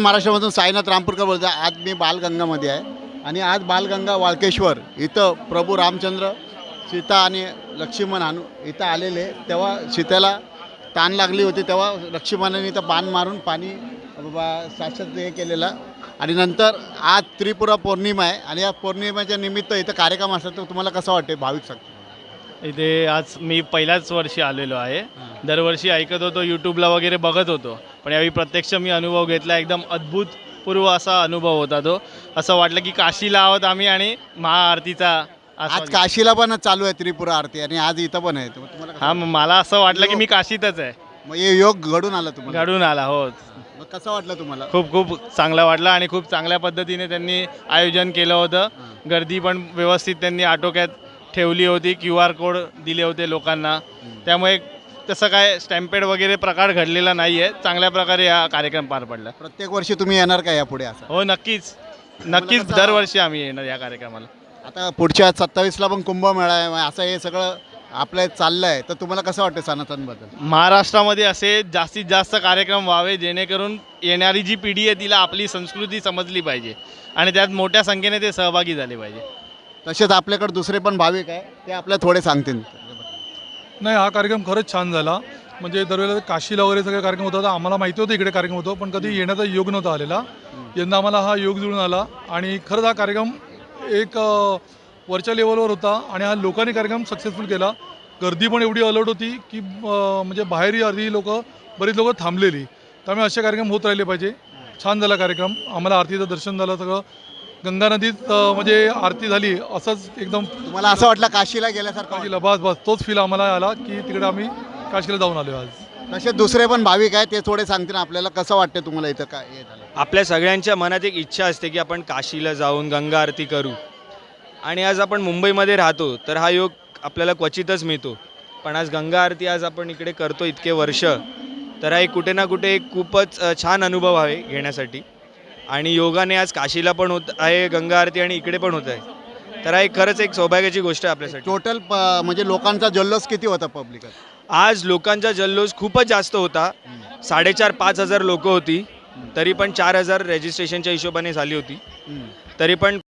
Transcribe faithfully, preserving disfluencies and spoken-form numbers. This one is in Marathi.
महाराष्ट्रामधून साईनाथ रामपूरकर बोलतो. आज मी बालगंगामध्ये आहे आणि आज बालगंगा वाळकेश्वर इथं प्रभू रामचंद्र, सीता आणि लक्ष्मण हनु इथं आलेले. तेव्हा सीतेला ताण लागली होती, तेव्हा लक्ष्मणाने इथं बाण मारून पाणी साक्षात हे केलेलं. आणि नंतर आज त्रिपुरा पौर्णिमा आहे आणि या पौर्णिमेच्या निमित्त इथं कार्यक्रम असतात. तर तुम्हाला कसं वाटते भाविक सांगतो? इथे आज मी पहिल्याच वर्षी आलेलो आहे. दरवर्षी ऐकत होतो, यूट्यूबला वगैरे बघत होतो, पण यावेळी प्रत्यक्ष मी अनुभव घेतला. एकदम अद्भुतपूर्व असा अनुभव होता तो. असं वाटलं की काशीला आहोत आम्ही आणि महाआरतीचा आज काशीला पण चालू आहे त्रिपुरा आरती आणि आज इथं पण आहे. तुम्हाला हां, मला असं वाटलं की मी काशीतच आहे. मग हे योग घडून आला तुम्हाला? घडून आला हो. मग कसं वाटलं तुम्हाला? खूप खूप चांगलं वाटलं आणि खूप चांगल्या पद्धतीने त्यांनी आयोजन केलं होतं. गर्दी पण व्यवस्थित त्यांनी आटोक्यात ठेवली होती. क्यू आर कोड दिले होते लोकांना, त्यामुळे तसं काय स्टॅम्पेड वगैरे प्रकार घडलेला नाही आहे. चांगल्या प्रकारे हा कार्यक्रम पार पडला. प्रत्येक वर्षी तुम्ही येणार का यापुढे असं? हो, नक्कीच नक्कीच दरवर्षी आम्ही येणार या कार्यक्रमाला. आता पुढच्या सत्तावीसला पण कुंभमेळा आहे, असं हे सगळं आपलं चाललं आहे. तर तुम्हाला कसं वाटतं सनातनबद्दल? महाराष्ट्रामध्ये असे जास्तीत जास्त कार्यक्रम व्हावे, जेणेकरून येणारी जी पिढी आहे तिला आपली संस्कृती समजली पाहिजे आणि त्यात मोठ्या संख्येने ते सहभागी झाले पाहिजे. तसेच आपल्याकडे दुसरे पण भाविक आहे, ते आपल्याला थोडे सांगतील. नाही, हा कार्यक्रम खरंच छान झाला. म्हणजे दरवेळेला काशीला वगैरे सगळे कार्यक्रम होता, तर आम्हाला माहिती होतं इकडे कार्यक्रम होतो, पण कधी येण्याचा योग नव्हता आलेला. यंदा आम्हाला हा योग जुळून आला आणि खरंच हा कार्यक्रम एक वरच्या लेवलवर होता आणि हा लोकांनी कार्यक्रम सक्सेसफुल केला. गर्दी पण एवढी अलर्ट होती की म्हणजे बाहेरही अर्धी लोक बरीच लोकं थांबलेली. त्यामुळे असे कार्यक्रम होत राहिले पाहिजे. छान झाला कार्यक्रम. आम्हाला आरतीचं दर्शन झालं, सगळं गंगा नदीत म्हणजे आरती झाली, असंच एकदम तुम्हाला असं वाटलं काशीला गेल्यासारखं? काशीला बस बस तोच फील आम्हाला आला की तिकडे आम्ही काशीला जाऊन आलो आज. तसे दुसरे पण भाविक आहे, ते थोडे सांगतील आपल्याला. कसं वाटतं तुम्हाला इथं काय हे झालं? आपल्या सगळ्यांच्या मनात एक इच्छा असते की आपण काशीला जाऊन गंगा आरती करू आणि आज आपण मुंबईमध्ये राहतो तर हा योग आपल्याला क्वचितच मिळतो. पण आज गंगा आरती आज आपण इकडे करतो इतके वर्ष, तर हा एक कुठे ना कुठे एक खूपच छान अनुभव आहे घेण्यासाठी. आणि योगाने आज काशीला पण होत आहे गंगा आरती आणि इकडे पण होत आहे, तर हा एक खरंच एक सौभाग्याची गोष्ट आहे आपल्यासाठी. टोटल म्हणजे लोकांचा जल्लोष किती होता पब्लिक? आज लोकांचा जल्लोष खूपच जास्त होता. साडेचार पाच हजार लोकं होती, तरी पण चार हजार रजिस्ट्रेशनच्या हिशोबाने झाली होती. तरी पण